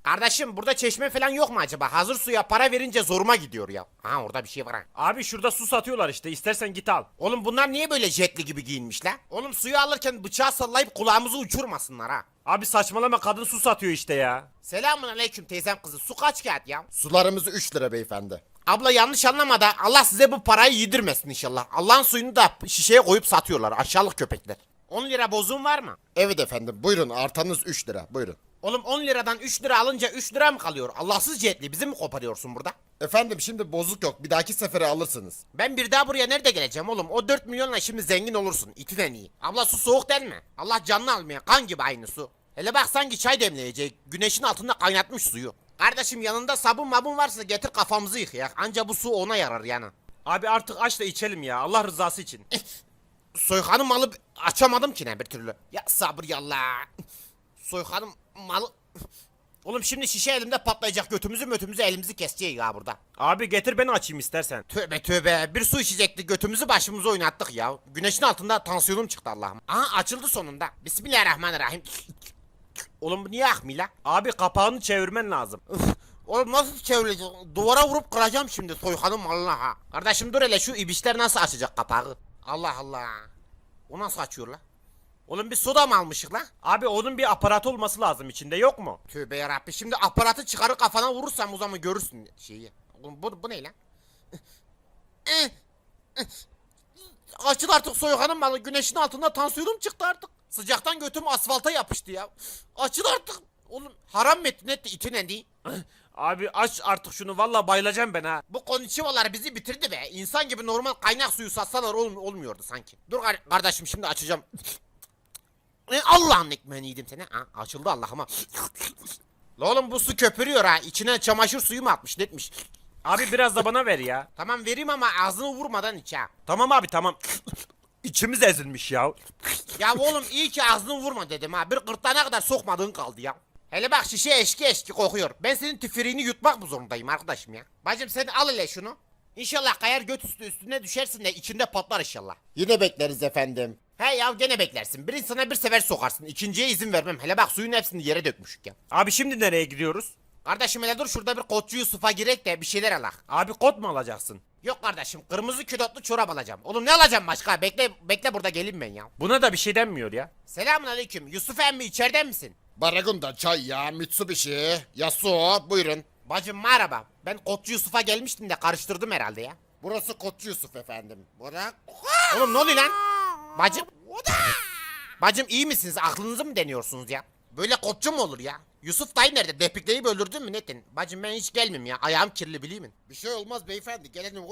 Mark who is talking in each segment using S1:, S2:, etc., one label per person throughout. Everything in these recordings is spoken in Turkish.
S1: Kardeşim burada çeşme falan yok mu acaba? Hazır suya para verince zoruma gidiyor ya. Ha orada bir şey var ha.
S2: Abi şurada su satıyorlar işte, istersen git al.
S1: Oğlum bunlar niye böyle jetli gibi giyinmişler? Oğlum suyu alırken bıçağı sallayıp kulağımızı uçurmasınlar ha.
S2: Abi saçmalama, kadın su satıyor işte ya.
S1: Selamun aleyküm teyzem kızı. Su kaç kağıt ya?
S3: Sularımız 3 lira beyefendi.
S1: Abla yanlış anlama da Allah size bu parayı yedirmesin inşallah. Allah'ın suyunu da şişeye koyup satıyorlar aşağılık köpekler. 10 lira bozuğun var mı?
S3: Evet efendim, buyurun, artanız 3 lira, buyurun.
S1: Oğlum 10 liradan 3 lira alınca 3 lira mı kalıyor? Allahsız cihetli bizi mi koparıyorsun burada?
S3: Efendim şimdi bozuk yok, bir dahaki sefere alırsınız.
S1: Ben bir daha buraya nerede geleceğim oğlum? O 4 milyonla şimdi zengin olursun. İtiden iyi. Abla su soğuk değil mi? Allah canını almaya kan gibi aynı su. Hele bak sanki çay demleyecek. Güneşin altında kaynatmış suyu. Kardeşim yanında sabun mabun varsa getir kafamızı yıkayak. Anca bu su ona yarar yani.
S2: Abi artık aç da içelim ya, Allah rızası için.
S1: Soykanın malı açamadım ki ne bir türlü. Ya sabır yallah. Soykanın malı... Oğlum şimdi şişe elimde patlayacak, götümüzü mötümüzü elimizi kesecek ya burada.
S2: Abi getir ben açayım istersen.
S1: Tövbe tövbe, bir su içecekti götümüzü başımıza oynattık ya. Güneşin altında tansiyonum çıktı Allah'ım. Aha açıldı sonunda. Bismillahirrahmanirrahim. Oğlum bu niye akmıyor la?
S2: Abi kapağını çevirmen lazım.
S1: Oğlum nasıl çevirecek? Duvara vurup kıracağım şimdi soykanın malına ha. Kardeşim dur hele, şu ibişler nasıl açacak kapağı? Allah Allah. O nasıl açıyor la? Oğlum bir soda mı almışık la?
S2: Abi onun bir aparatı olması lazım, içinde yok mu?
S1: Tövbe yarabbi, şimdi aparatı çıkarır kafana vurursam o zaman görürsün şeyi. Oğlum bu ne lan? Açıl artık soykanın malı, güneşin altında tansiyonum çıktı artık. Sıcaktan götüm asfalta yapıştı ya. Açıl artık. Oğlum haram mı ettin etti itin endi.
S2: Abi aç artık şunu, valla bayılacağım ben ha.
S1: Bu konnichiwalar bizi bitirdi be. İnsan gibi normal kaynak suyu satsalar olmuyordu sanki. Dur kardeşim şimdi açacağım. Allah'ın ekmeğini yedim seni. Ha, açıldı Allah'ıma. La oğlum bu su köpürüyor ha. İçine çamaşır suyu mu atmış netmiş.
S2: Abi biraz da bana ver ya.
S1: Tamam vereyim ama ağzını vurmadan iç ha.
S2: Tamam abi tamam. İçimiz ezilmiş ya.
S1: Ya oğlum iyi ki ağzını vurma dedim ha. Bir gırtlağına kadar sokmadığın kaldı ya. Hele bak şişe eşki eşki kokuyor. Ben senin tüfürüğünü yutmak mı zorundayım arkadaşım ya? Bacım sen al hele şunu. İnşallah kayar göt üstü üstüne düşersin de içinde patlar inşallah.
S3: Yine bekleriz efendim.
S1: He ya gene beklersin. Bir insana bir sefer sokarsın. İkinciye izin vermem. Hele bak suyun hepsini yere dökmüşük ya.
S2: Abi şimdi nereye gidiyoruz?
S1: Kardeşim hele dur şurada bir Koçu Yusuf'a girek de bir şeyler alak.
S2: Abi kot mu alacaksın?
S1: Yok kardeşim kırmızı külotlu çorap alacağım. Oğlum ne alacağım başka? Bekle burada gelin ben ya.
S2: Buna da bir şey denmiyor ya.
S1: Selamun aleyküm. Yusuf emmi içeriden misin?
S3: Baragunda çay ya, Mitsubishi, Yasuo, buyurun.
S1: Bacım merhaba. Ben Koçu Yusuf'a gelmiştim de karıştırdım herhalde ya.
S3: Burası Koçu Yusuf efendim. Bırak.
S1: Oğlum ne oluyor lan? Bacım. Bacım iyi misiniz? Aklınızı mı deniyorsunuz ya? Böyle Koçu mu olur ya? Yusuf dayı nerede? Depikleyip öldürdün mü Netin? Bacım ben hiç gelmem ya. Ayağım kirli biliyor musun?
S3: Bir şey olmaz beyefendi, gelelim.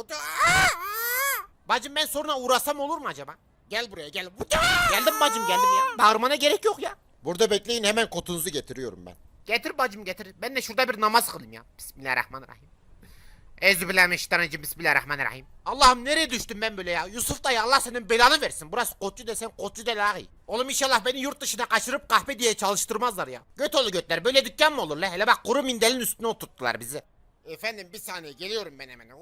S1: Bacım ben sonra uğrasam olur mu acaba?
S3: Gel buraya gel.
S1: Geldim bacım geldim ya. Bağırmana gerek yok ya.
S3: Burada bekleyin, hemen kotunuzu getiriyorum ben.
S1: Getir bacım getir. Ben de şurada bir namaz kılayım ya. Bismillahirrahmanirrahim. Euzubillahimineşşeytanirracim. Bismillahirrahmanirrahim. Allah'ım nereye düştüm ben böyle ya? Yusuf dayı Allah senin belanı versin. Burası Koçu desen Koçu de lahi. Oğlum inşallah beni yurt dışına kaçırıp kahpe diye çalıştırmazlar ya. Göt götler böyle dükkan mı olur la? Hele bak kuru mindelin üstüne oturttular bizi.
S3: Efendim bir saniye, geliyorum ben hemen.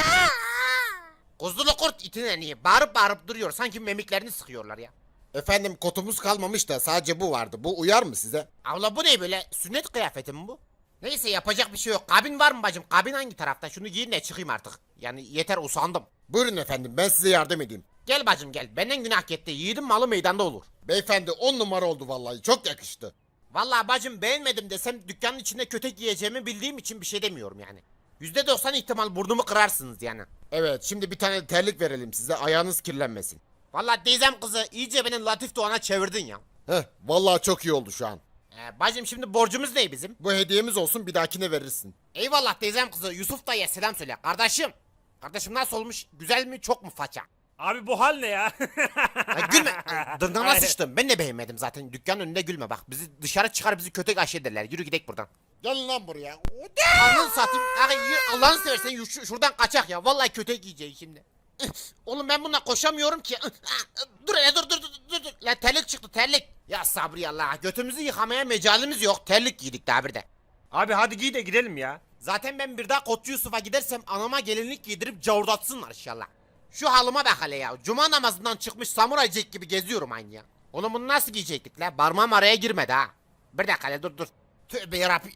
S1: Kuzulu kurt itine niye? Bağırıp bağırıp duruyor. Sanki memiklerini sıkıyorlar ya.
S3: Efendim kotumuz kalmamış da sadece bu vardı. Bu uyar mı size?
S1: Abla bu ne böyle? Sünnet kıyafeti mi bu? Neyse yapacak bir şey yok. Kabin var mı bacım? Kabin hangi tarafta? Şunu giyin de çıkayım artık. Yani yeter usandım.
S3: Buyurun efendim, ben size yardım edeyim.
S1: Gel bacım gel. Benden günah gitti. Yiğidin malı meydanda olur.
S3: Beyefendi 10 numara oldu vallahi, çok yakıştı.
S1: Vallahi bacım beğenmedim desem dükkanın içinde kötek yiyeceğimi bildiğim için bir şey demiyorum yani. %90 ihtimal burnumu kırarsınız yani.
S3: Evet, şimdi bir tane terlik verelim size, ayağınız kirlenmesin.
S1: Vallahi teyzem kızı iyice beni Latif Doğan'a çevirdin ya.
S3: Heh, vallahi çok iyi oldu şu an.
S1: Bacım şimdi borcumuz ne bizim?
S3: Bu hediyemiz olsun, bir dahakine verirsin.
S1: Eyvallah teyzem kızı, Yusuf dayıya selam söyle. Kardeşim. Kardeşim nasıl olmuş? Güzel mi çok mu faça?
S2: Abi bu hal ne ya?
S1: Gülme. Dırnağına
S2: Aynen.
S1: sıçtım. Ben de beğenmedim zaten. Dükkanın önünde gülme bak. Bizi dışarı çıkar bizi kötü aşı ederler. Yürü gidelim buradan.
S3: Gelin lan buraya.
S1: Anıl satayım. Abi, Allah'ını seversen şuradan kaçak ya. Vallahi kötü giyeceğim şimdi. Oğlum ben bununla koşamıyorum ki. Dur hele dur. La terlik çıktı terlik. Ya sabri Allah. Götümüzü yıkamaya mecalimiz yok. Terlik giydik daha bir de.
S2: Abi hadi giy de gidelim ya.
S1: Zaten ben bir daha Koçu Yusuf'a gidersem anama gelinlik giydirip cavurdatsınlar inşallah. Şu halıma bak hele ya. Cuma namazından çıkmış samuray Jack gibi geziyorum aynı ya. Oğlum bunu nasıl giyecektik la? Parmağım araya girmedi ha. Bir dakika hele dur. Tövbe yarabbi.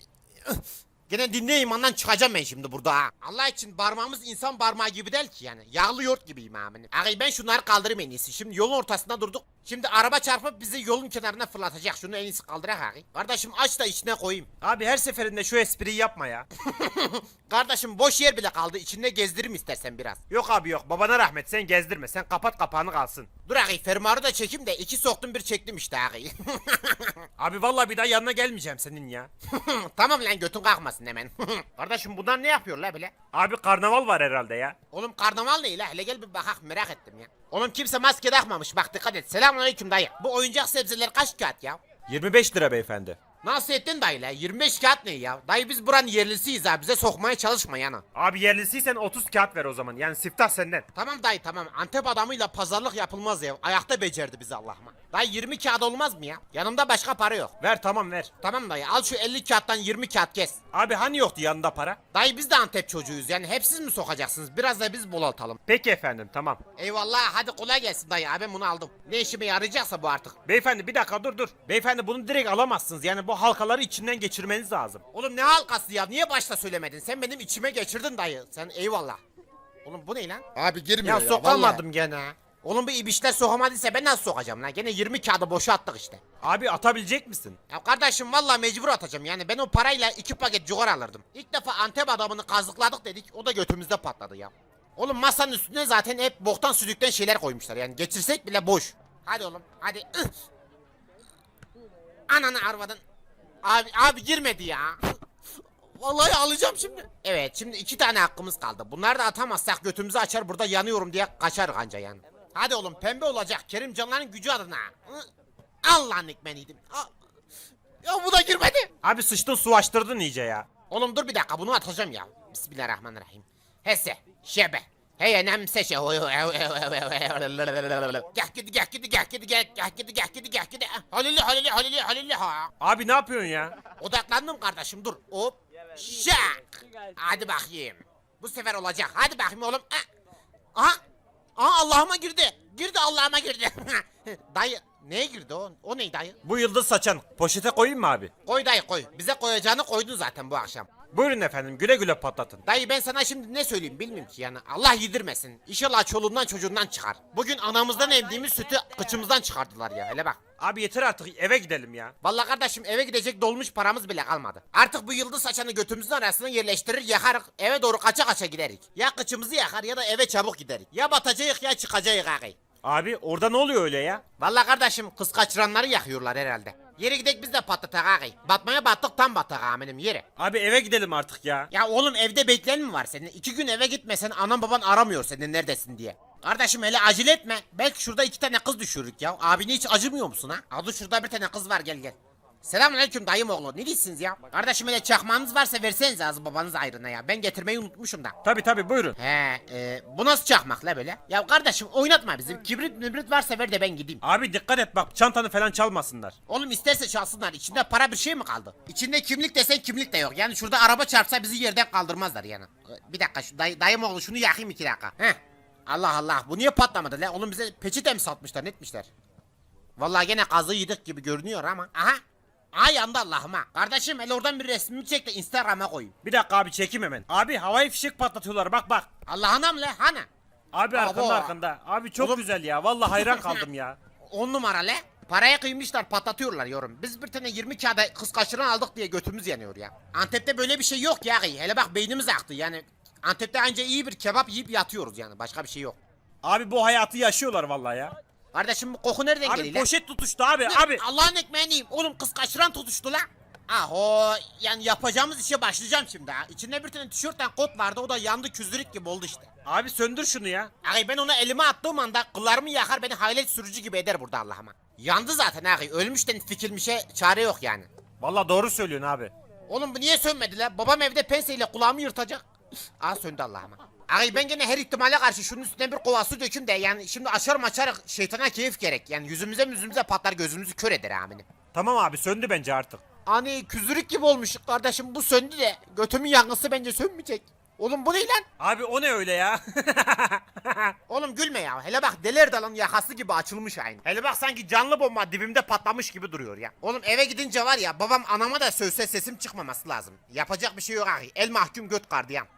S1: Gene dinle imandan çıkacağım ben şimdi burada ha. Allah için parmağımız insan parmağı gibi değil ki yani. Yağlı yoğurt gibiyim amirim. Ağabey ben şunları kaldırayım en iyisi. Şimdi yolun ortasında durduk. Şimdi araba çarpıp bizi yolun kenarına fırlatacak. Şunu en iyisi kaldırak ağabey. Kardeşim aç da içine koyayım.
S2: Abi her seferinde şu espriyi yapma ya.
S1: Kardeşim boş yer bile kaldı. İçinde gezdireyim istersen biraz.
S2: Yok abi yok, babana rahmet, sen gezdirme, sen kapat kapağını kalsın.
S1: Dur ağabey fermuarı da çekeyim de 2 soktum bir çektim işte ağabey.
S2: Abi vallahi bir daha yanına gelmeyeceğim senin ya.
S1: Tamam lan götün kalkmasın hemen. Kardeşim bunlar ne yapıyor la böyle?
S2: Abi karnaval var herhalde ya.
S1: Oğlum karnaval ne la? Hele gel bir bakak merak ettim ya. Oğlum kimse maske takmamış bak dikkat et. Selamünaleyküm dayı. Bu oyuncak sebzeler kaç kağıt ya?
S2: 25 lira beyefendi.
S1: Nasıl ettin dayı la? 25 kağıt ne ya? Dayı biz buranın yerlisiyiz ha. Bize sokmaya çalışma yana.
S2: Abi yerlisiysen 30 kağıt ver o zaman, yani siftah senden.
S1: Tamam dayı tamam. Antep adamıyla pazarlık yapılmaz ya. Ayakta becerdi bizi Allah'ıma. Dayı 20 kağıt olmaz mı ya? Yanımda başka para yok.
S2: Ver tamam ver.
S1: Tamam dayı al şu 50 kağıttan 20 kağıt kes.
S2: Abi hani yoktu yanında para?
S1: Dayı biz de Antep çocuğuyuz yani hep siz mi sokacaksınız? Biraz da biz bolaltalım.
S2: Peki efendim tamam.
S1: Eyvallah hadi kolay gelsin dayı. Ben bunu aldım. Ne işime yarayacaksa bu artık.
S2: Beyefendi bir dakika dur. Beyefendi bunu direkt alamazsınız, yani bu halkaları içinden geçirmeniz lazım.
S1: Oğlum ne halkası ya? Niye başta söylemedin? Sen benim içime geçirdin dayı. Sen eyvallah. Oğlum bu ne lan?
S3: Abi girmiyor
S1: Ya
S3: ya.
S1: sokamadım gene. Oğlum bu ibişler sokamadıysa ben nasıl sokacağım lan? Gene 20 kağıdı boşa attık işte.
S2: Abi atabilecek misin?
S1: Ya kardeşim vallahi mecbur atacağım yani ben o parayla 2 paket cigara alırdım. İlk defa Antep adamını kazıkladık dedik o da götümüzde patladı ya. Oğlum masanın üstüne zaten hep boktan sülükten şeyler koymuşlar yani geçirsek bile boş. Hadi oğlum hadi. Ananı arvadın. Abi girmedi ya. Vallahi alacağım şimdi. Evet şimdi 2 tane hakkımız kaldı. Bunları da atamazsak götümüzü açar burada yanıyorum diye kaçar anca yani. Hadi oğlum pembe olacak Kerimcanların gücü adına. Allah'ın ekmeniydim. Ya bu da girmedi.
S2: Abi sıçtın su açtırdın iyice ya.
S1: Oğlum dur bir dakika bunu atacağım ya. Bismillahirrahmanirrahim. Hesse, şebe. Hey nemse şey. Gel gidi gel gidi gel gidi gel gidi gel gidi gel gidi. Halili ha.
S2: Abi ne yapıyorsun ya?
S1: Odaklandım kardeşim dur. Hop. Şak. Hadi bakayım. Bu sefer olacak. Hadi bakayım oğlum. Aha. Aha Allah'ıma girdi. Girdi Allah'ıma girdi. Dayı neye girdi o? O ne dayı?
S2: Bu yıldız saçan poşete koyayım mı abi?
S1: Koy dayı koy. Bize koyacağını koydun zaten bu akşam.
S2: Buyurun efendim, güle güle patlatın.
S1: Dayı ben sana şimdi ne söyleyeyim bilmiyorum ki yani. Allah yedirmesin. İnşallah çoluğundan çocuğundan çıkar. Bugün anamızdan emdiğimiz sütü kıçımızdan çıkardılar ya. Hele bak.
S2: Abi yeter artık, eve gidelim ya.
S1: Vallahi kardeşim eve gidecek dolmuş paramız bile kalmadı. Artık bu yıldız saçanı götümüzün arasına yerleştirir yakarık eve doğru kaça kaça giderik. Ya kıçımızı yakar ya da eve çabuk giderik. Ya batacağız ya çıkacağız ağabey.
S2: Abi orada ne oluyor öyle ya?
S1: Vallahi kardeşim kız kaçıranları yakıyorlar herhalde. Yere gidek biz de patlatak ağabey. Batmaya battık tam battık amirim yere.
S2: Abi eve gidelim artık ya.
S1: Ya oğlum evde bekleyen mi var senin? 2 gün eve gitmesen anan baban aramıyor senin neredesin diye. Kardeşim hele acele etme. Belki şurada 2 tane kız düşürürük ya. Abine hiç acımıyor musun ha? Adı şurada bir tane kız var gel gel. Selamünaleyküm dayım oğlu. Ne diyorsunuz ya? Kardeşim hele çakmağınız varsa versenize az babanız ayrına ya. Ben getirmeyi unutmuşum da.
S2: Tabi buyurun.
S1: Bu nasıl çakmak la böyle? Ya kardeşim oynatma bizim. Kibrit varsa ver de ben gideyim.
S2: Abi dikkat et bak, çantanı falan çalmasınlar.
S1: Oğlum isterse çalsınlar. İçinde para bir şey mi kaldı? İçinde kimlik desen kimlik de yok. Yani şurada araba çarpsa bizi yerden kaldırmazlar yani. Bir dakika şu dayım oğlu şunu yakayım 2 dakika. Heh. Allah Allah bu niye patlamadı la? Oğlum bize peçete mi satmışlar ne etmişler? Vallahi gene kazığı yedik gibi görünüyor ama. Aha. Aa yandı Allah'ım ha. Kardeşim hele oradan bir resmimi çek de Instagram'a koyayım.
S2: Bir dakika abi, çekim hemen. Abi havai fişek patlatıyorlar, bak.
S1: Allah'ınam le hani?
S2: Abi
S1: Abo.
S2: arkanda. Abi çok
S1: Oğlum-
S2: güzel ya, vallahi hayran kaldım ya.
S1: 10 numara le. Paraya kıymışlar patlatıyorlar yorum. Biz bir tane 20 kağıda kız kaçıran aldık diye götümüz yanıyor ya. Antep'te böyle bir şey yok ya. Hele bak beynimiz aktı yani. Antep'te anca iyi bir kebap yiyip yatıyoruz yani. Başka bir şey yok.
S2: Abi bu hayatı yaşıyorlar vallahi ya.
S1: Kardeşim bu koku nereden
S2: Abi
S1: geliyor lan?
S2: poşet tutuştu abi.
S1: Allah'ın ekmeğini yiyeyim. Oğlum kız kaçıran tutuştu lan. Aho yani yapacağımız işe başlayacağım şimdi ha. İçinde bir tane tişörtten kot vardı o da yandı küzdürük gibi oldu işte.
S2: Abi söndür şunu ya.
S1: Ağay ben ona elime attığım anda kıllarımı yakar beni hayalet sürücü gibi eder burada Allah'ıma. Yandı zaten ağay ölmüşten fikilmişe çare yok yani.
S2: Vallahi doğru söylüyorsun abi.
S1: Oğlum bu niye sönmedi lan? Babam evde penseyle kulağımı yırtacak. Aa söndü Allah'ıma. Ağay ben gene her ihtimale karşı şunun üstüne bir kova su döküm de yani şimdi açar şeytana keyif gerek. Yani yüzümüze patlar gözümüzü kör eder aminim.
S2: Tamam abi, söndü bence artık.
S1: Hani küzürük gibi olmuş kardeşim bu söndü de götümün yangısı bence sönmeyecek. Oğlum bu ne lan?
S2: Abi o ne öyle ya?
S1: Oğlum gülme ya. Hele bak Deli Dalın yakası gibi açılmış aynı.
S2: Hele bak sanki canlı bomba dibimde patlamış gibi duruyor ya.
S1: Oğlum eve gidince var ya babam anama da sövse sesim çıkmaması lazım. Yapacak bir şey yok ağabey. El mahkum göt gardiyan.